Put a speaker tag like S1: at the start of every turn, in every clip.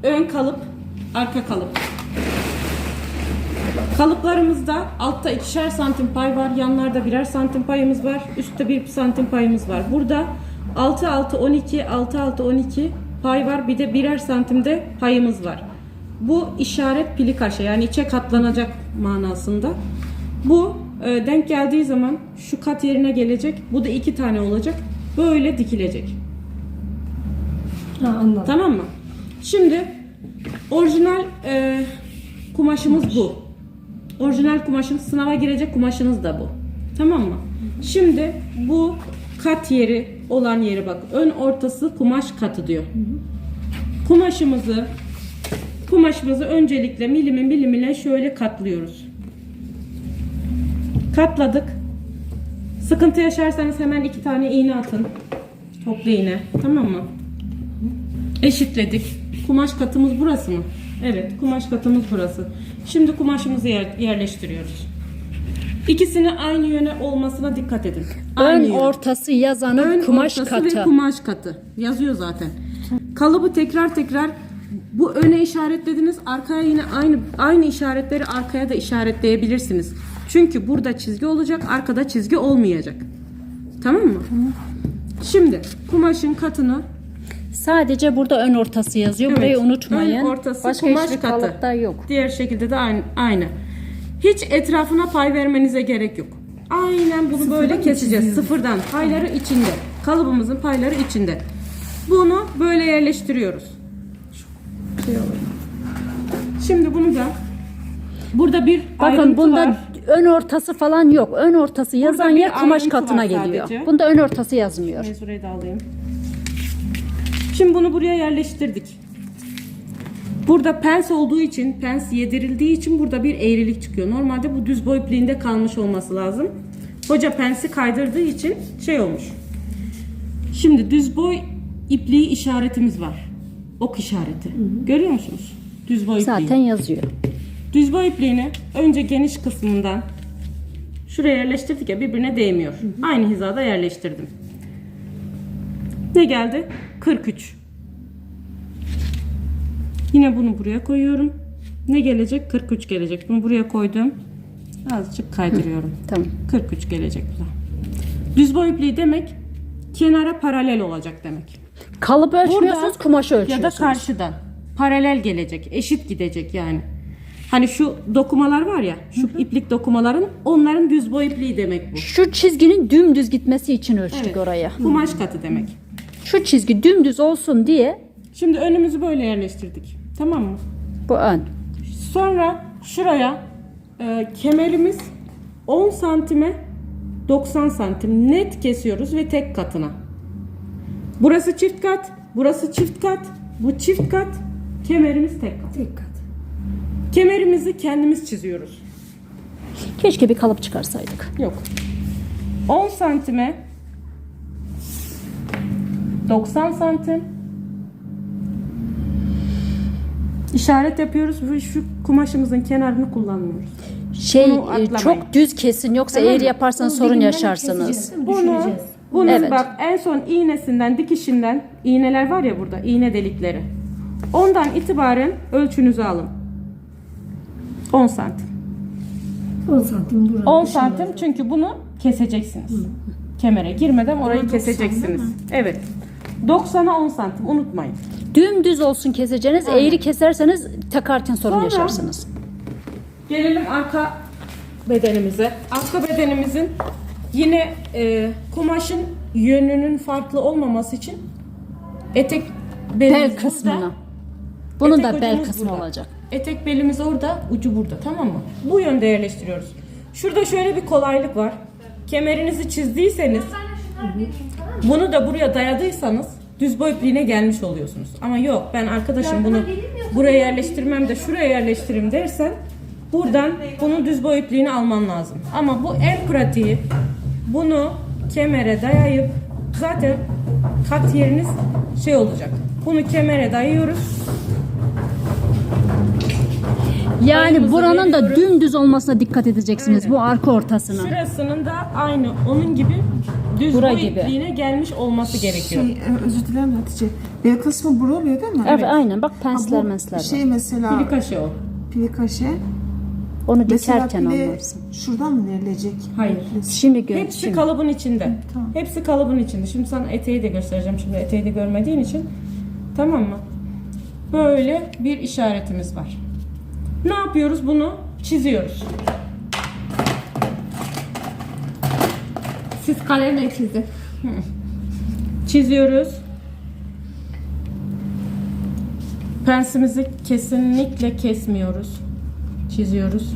S1: ön kalıp, arka kalıp. Kalıplarımızda altta 2'şer santim pay var, yanlarda 1'er santim payımız var, üstte 1 santim payımız var. Burada 6-6-12, 6-6-12 pay var, bir de 1'er santimde payımız var. Bu işaret pili kaşe, yani içe katlanacak manasında. Bu denk geldiği zaman şu kat yerine gelecek, bu da 2 tane olacak, böyle dikilecek.
S2: Ha, anladım.
S1: Tamam mı? Şimdi orijinal kumaşımız bu. Orijinal kumaşımız, sınava girecek kumaşınız da bu. Tamam mı? Şimdi bu kat yeri olan yeri bak. Ön ortası kumaş katı diyor. Kumaşımızı öncelikle milimine şöyle katlıyoruz. Katladık. Sıkıntı yaşarsanız hemen 2 tane iğne atın. Toplu iğne. Tamam mı? Eşitledik. Kumaş katımız burası mı? Evet, kumaş katımız burası. Şimdi kumaşımızı yerleştiriyoruz. İkisini aynı yöne olmasına dikkat edin. Aynı
S3: Ön
S1: yön.
S3: ortası yazanın
S1: Ön
S3: kumaş
S1: ortası
S3: katı.
S1: ve kumaş katı. Yazıyor zaten. Kalıbı tekrar bu öne işaretlediniz. Arkaya yine aynı işaretleri arkaya da işaretleyebilirsiniz. Çünkü burada çizgi olacak, arkada çizgi olmayacak. Tamam mı? Şimdi kumaşın katını
S3: Sadece burada ön ortası yazıyor.
S1: Evet,
S3: Burayı unutmayın.
S1: ön ortası
S3: Başka
S1: kumaş
S3: hiçbir
S1: katı.
S3: kalıpta yok.
S1: Diğer şekilde de aynı. Hiç etrafına pay vermenize gerek yok. Aynen bunu böyle keseceğiz. Sıfırdan. Payları içinde. Kalıbımızın payları içinde. Bunu böyle yerleştiriyoruz. Şimdi bunu da burada bir
S3: Bakın
S1: ayrıntı
S3: bunda
S1: var.
S3: ön ortası falan yok. Ön ortası yazan
S1: bir
S3: yer kumaş
S1: ayrıntı
S3: katına
S1: var
S3: geliyor.
S1: sadece.
S3: Bunda ön ortası yazmıyor.
S1: Şurayı da alayım. Şimdi bunu buraya yerleştirdik. Burada pens olduğu için, pens yedirildiği için burada bir eğrilik çıkıyor. Normalde bu düz boy ipliğinde kalmış olması lazım. Hoca pensi kaydırdığı için şey olmuş. Şimdi düz boy ipliği işaretimiz var. Ok işareti. Görüyor musunuz? Düz boy ipliği.
S3: Zaten yazıyor.
S1: Düz boy ipliğini önce geniş kısmından şuraya yerleştirdik ya, birbirine değmiyor. Aynı hizada yerleştirdim. Ne geldi? 43. Yine bunu buraya koyuyorum. Ne gelecek? 43 gelecek. Bunu buraya koydum. Azıcık kaydırıyorum.
S3: Tamam.
S1: 43 gelecek bu da. Düz boy ipliği demek kenara paralel olacak demek.
S3: Kalıp ölçmüyorsunuz,
S1: Buradan
S3: kumaşı
S1: ya
S3: ölçüyorsunuz.
S1: da karşıdan paralel gelecek, eşit gidecek yani. Hani şu dokumalar var ya, şu iplik dokumaların, onların düz boy ipliği demek bu.
S3: Şu çizginin dümdüz gitmesi için ölçtük
S1: Evet,
S3: oraya.
S1: kumaş katı demek.
S3: Şu çizgi dümdüz olsun diye
S1: Şimdi önümüzü böyle yerleştirdik. Tamam mı?
S3: bu ön.
S1: Sonra şuraya kemerimiz 10 santime 90 santim net kesiyoruz ve tek katına. Burası çift kat, burası çift kat, bu çift kat, kemerimiz tek kat.
S2: Tek kat.
S1: Kemerimizi kendimiz çiziyoruz.
S3: Keşke bir kalıp çıkarsaydık.
S1: Yok. 10 santime 90 santim işaret yapıyoruz ve şu kumaşımızın kenarını kullanmıyoruz. Bunu atlamayın.
S3: Çok düz kesin, yoksa
S1: Tamam
S3: eğer
S1: mı?
S3: yaparsanız
S2: Onu
S3: sorun
S2: dilimden
S3: yaşarsınız.
S2: keseceğiz, değil mi?
S1: Bunu
S2: Düşüreceğiz.
S3: Evet.
S1: bak en son iğnesinden, dikişinden, iğneler var ya burada, iğne delikleri. Ondan itibaren ölçünüzü alın. 10 santim.
S2: 10 santim buranın
S1: 10
S2: dışında.
S1: santim çünkü bunu keseceksiniz. Kemere girmeden orayı
S2: 90
S1: keseceksiniz.
S2: değil mi?
S1: Evet. 90'a 10 santim unutmayın.
S3: Dümdüz olsun keseceğiniz. Eğri keserseniz takarken sorun
S1: Sonra-
S3: yaşarsınız.
S1: Gelelim arka bedenimize. Arka bedenimizin yine kumaşın yönünün farklı olmaması için etek belimiz
S3: Bel
S1: burada.
S3: kısmına. Bunun
S1: Etek
S3: da bel
S1: ucumuz
S3: kısmı
S1: burada.
S3: olacak.
S1: Etek belimiz orada, ucu burada, tamam mı? Bu yönde yerleştiriyoruz. Şurada şöyle bir kolaylık var. Kemerinizi çizdiyseniz, bunu da buraya dayadıysanız düz boy ipliğine gelmiş oluyorsunuz. Ama yok, ben arkadaşım bunu buraya yerleştirmem de şuraya yerleştireyim dersen, buradan bunun düz boy ipliğini alman lazım. Ama bu en pratiği. Bunu kemere dayayıp, zaten kat yeriniz şey olacak. Bunu kemere dayıyoruz.
S3: Yani
S1: Payımızı
S3: buranın da
S1: veriyoruz.
S3: dümdüz olmasına dikkat edeceksiniz.
S1: Aynen.
S3: Bu arka ortasına.
S1: Şurasının da aynı onun gibi düz
S3: Bura
S1: boy
S3: gibi.
S1: ipliğine gelmiş olması gerekiyor.
S4: Özür dilerim Hatice. Bel kısmı bura oluyor değil mi?
S3: Evet, aynen. Bak
S4: Ha,
S3: pensler
S4: bu
S3: mensler var.
S4: şey mesela
S1: Plikaşe o.
S4: plikaşe.
S3: Onu
S4: Mesela
S3: dikerken
S4: pile
S3: anlarsın.
S4: şuradan mı verilecek?
S1: Hayır.
S3: Şimdi gör.
S1: Hepsi
S3: Şimdi.
S1: kalıbın içinde.
S4: Tamam.
S1: Hepsi kalıbın içinde. Şimdi sana eteği de göstereceğim. Şimdi eteği de görmediğin için. Tamam mı? Böyle bir işaretimiz var. Ne yapıyoruz? Bunu çiziyoruz.
S2: Siz kalemle çizin.
S1: Çiziyoruz. Pensimizi kesinlikle kesmiyoruz. Çiziyoruz.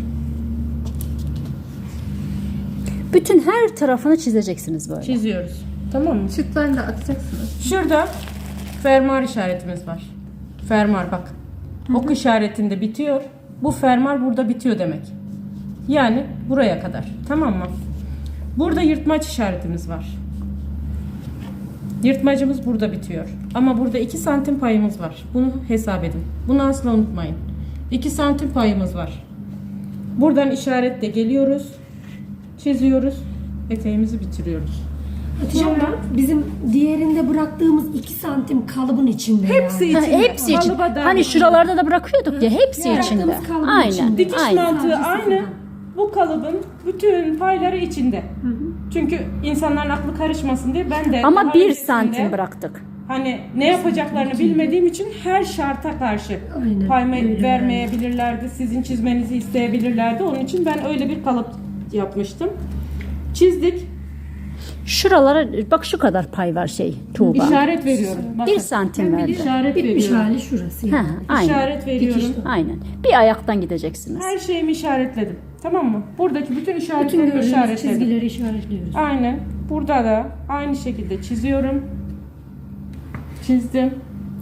S3: Bütün her tarafını çizeceksiniz böyle.
S1: Çiziyoruz. Tamam mı?
S2: Sütlerini de atacaksınız.
S1: Şurada fermuar işaretimiz var. Fermuar bak. Ok işaretinde bitiyor. Bu fermuar burada bitiyor demek. Yani buraya kadar. Tamam mı? Burada yırtmaç işaretimiz var. Yırtmacımız burada bitiyor. Ama burada 2 santim payımız var. Bunu hesap edin. Bunu asla unutmayın. 2 santim payımız var. Buradan işaretle geliyoruz. Çiziyoruz. Eteğimizi bitiriyoruz.
S2: Hatice abla, bizim diğerinde bıraktığımız 2 santim kalıbın içinde
S1: Hepsi
S2: yani.
S3: Ha,
S1: içinde.
S3: hepsi için.
S1: Kalıba dahil.
S3: Hani şuralarda da bırakıyorduk ya, hepsi
S2: Yani
S3: içinde.
S2: bıraktığımız kalıbın
S3: Aynen.
S2: içinde.
S1: Dikiş
S3: Aynen.
S1: mantığı
S2: Sadece
S1: aynı.
S2: sıfırdan.
S1: Bu kalıbın bütün payları içinde. Çünkü insanların aklı karışmasın diye ben de
S3: Ama
S1: daha
S3: 1
S1: öncesinde
S3: santim bıraktık.
S1: Hani ne yapacaklarını bilmediğim için her şarta karşı
S2: Aynen,
S1: pay
S2: öyle
S1: vermeyebilirlerdi. Sizin çizmenizi isteyebilirlerdi. Onun için ben öyle bir kalıp yapmıştım. Çizdik.
S3: Şuralara bak, şu kadar pay var Tuğba.
S1: İşaret veriyorum. Bakın.
S3: 1 santim verdi.
S1: İşaret
S2: Bitmiş
S1: veriyorum.
S2: hali şurası
S3: Ha,
S2: yani.
S3: aynen.
S1: İşaret veriyorum.
S3: Aynen. Bir ayaktan gideceksiniz.
S1: Her şeyimi işaretledim. Tamam mı? Buradaki bütün
S2: Bütün
S1: işaretlerimi
S2: gördüğümüz
S1: işaretledim.
S2: çizgileri işaretliyoruz.
S1: Aynen. Burada da aynı şekilde çiziyorum. Çizdim.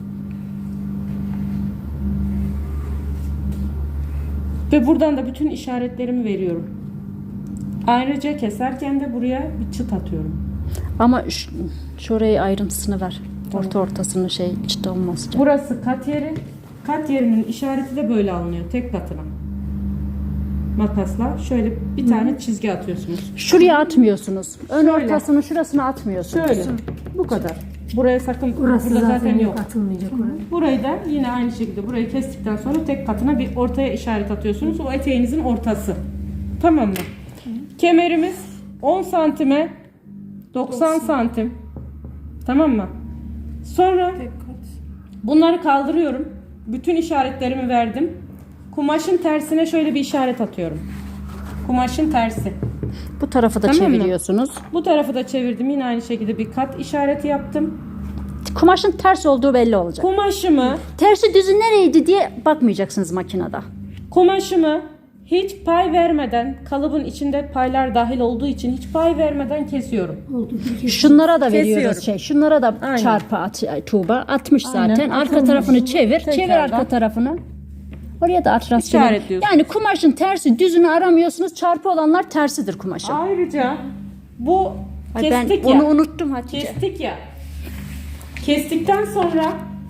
S1: Ve buradan da bütün işaretlerimi veriyorum. Ayrıca keserken de buraya bir çıt atıyorum.
S3: Ama şurayı ayrıntısını ver. Ortasını çıt olmaz.
S1: Burası kat yeri. Kat yerinin işareti de böyle alınıyor. Tek katına. Makasla şöyle bir tane çizgi atıyorsunuz.
S3: Şuraya atmıyorsunuz. Ön
S1: Şöyle.
S3: ortasını, şurasını atmıyorsunuz.
S1: Şöyle. Bu kadar. Buraya sakın,
S2: Burası
S1: burada
S2: zaten
S1: yok.
S2: atılmayacak oraya.
S1: Burayı da yine aynı şekilde burayı kestikten sonra tek katına bir ortaya işaret atıyorsunuz. O eteğinizin ortası. Tamam mı? Kemerimiz 10 santime 90 santim. Tamam mı? Sonra bunları kaldırıyorum. Bütün işaretlerimi verdim. Kumaşın tersine şöyle bir işaret atıyorum. Kumaşın tersi.
S3: Bu tarafı da
S1: Tamam mı?
S3: çeviriyorsunuz.
S1: Bu tarafı da çevirdim. Yine aynı şekilde bir kat işareti yaptım.
S3: Kumaşın ters olduğu belli olacak.
S1: Kumaşımı
S3: Tersi düzü nereydi diye bakmayacaksınız makinede.
S1: Kumaşımı hiç pay vermeden, kalıbın içinde paylar dahil olduğu için hiç pay vermeden kesiyorum.
S2: Oldu bir kez.
S3: Şunlara da veriyoruz
S1: Kesiyorum.
S3: Şunlara da
S1: Aynen.
S3: çarpı at Tuğba. Atmış zaten.
S1: Aynen,
S3: Arka
S1: atılmış.
S3: tarafını çevir. Çevir
S1: Tekrardan.
S3: arka tarafını. Oraya da at rastgele.
S1: İşaretliyorsun.
S3: Yani kumaşın tersi düzünü aramıyorsunuz. Çarpı olanlar tersidir kumaşın.
S1: Ayrıca bu
S3: Ay, ben
S1: kestik
S3: onu
S1: ya.
S3: unuttum Hatice.
S1: Kestik ya. Kestikten sonra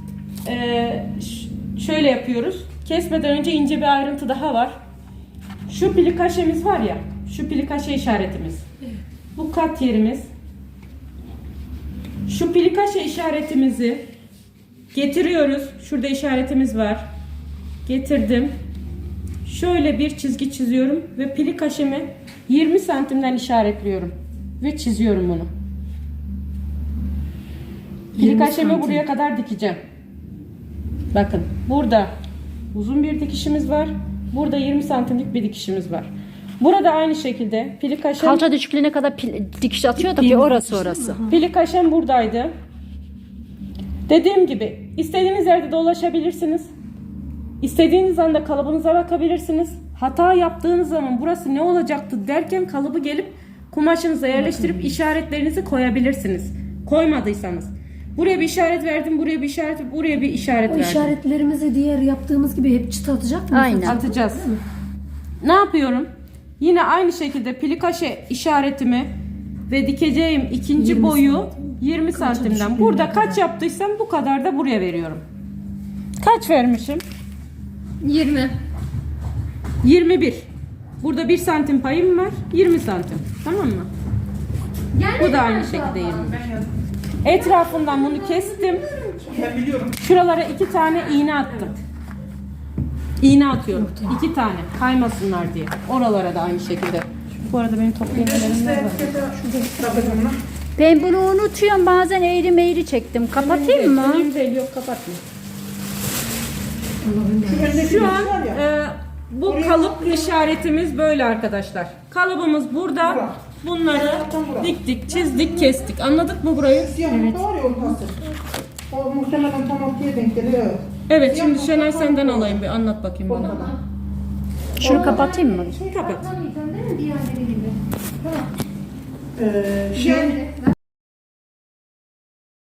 S1: şöyle yapıyoruz. Kesmeden önce ince bir ayrıntı daha var. Şu plikaşemiz var ya. Şu plikaşe işaretimiz. Bu kat yerimiz. Şu plikaşe işaretimizi getiriyoruz. Şurada işaretimiz var. Getirdim. Şöyle bir çizgi çiziyorum ve plikaşemi 20 santimden işaretliyorum ve çiziyorum bunu.
S2: 20
S1: Plikaşemi
S2: santim.
S1: buraya kadar dikeceğim. Bakın burada uzun bir dikişimiz var. Burada 20 santimlik bir dikişimiz var. Burada aynı şekilde plikaşem,
S3: Kalça düşüklüğüne kadar dikiş atıyorduk ya, orası.
S1: plikaşem buradaydı. Dediğim gibi istediğiniz yerde dolaşabilirsiniz. İstediğiniz anda kalıbınıza bakabilirsiniz. Hata yaptığınız zaman burası ne olacaktı derken kalıbı gelip kumaşınıza yerleştirip işaretlerinizi koyabilirsiniz. Koymadıysanız. Buraya bir işaret verdim, buraya bir işaret, buraya bir işaret
S2: O
S1: verdim.
S2: işaretlerimizi diğer yaptığımız gibi hep çıt atacak mıyız?
S3: Aynen.
S1: Atacağız. Ne yapıyorum? Yine aynı şekilde plikaşe işaretimi ve dikeceğim ikinci
S2: 20
S1: boyu
S2: santim.
S1: 20
S2: Kaça
S1: santimden.
S2: düşüklüğüne
S1: Burada
S2: kadar?
S1: kaç yaptıysam bu kadar da buraya veriyorum. Kaç vermişim?
S2: 20.
S1: 21. Burada 1 santim payım var. 20 santim. Tamam mı? Bu da aynı şekilde 25. Etrafından bunu kestim. Şuralara 2 tane iğne attım. İğne atıyorum. 2 tane kaymasınlar diye. Oralara da aynı şekilde. Bu arada benim toplayanlarım var.
S3: Ben bunu unutuyorum. Bazen eğri meğri çektim. Kapatayım mı?
S1: Önemli değil, yok kapatma. Şu an bu kalıp işaretimiz böyle arkadaşlar. Kalıbımız burada. Bunları diktik, çizdik, kestik. Anladık mı burayı?
S5: Evet. O muhtemelen tam ortaya denk geliyor.
S1: Evet, şimdi Şenay senden alayım bir anlat bakayım bana.
S3: Şunu kapatayım mı?
S1: Kapat.
S5: Şey,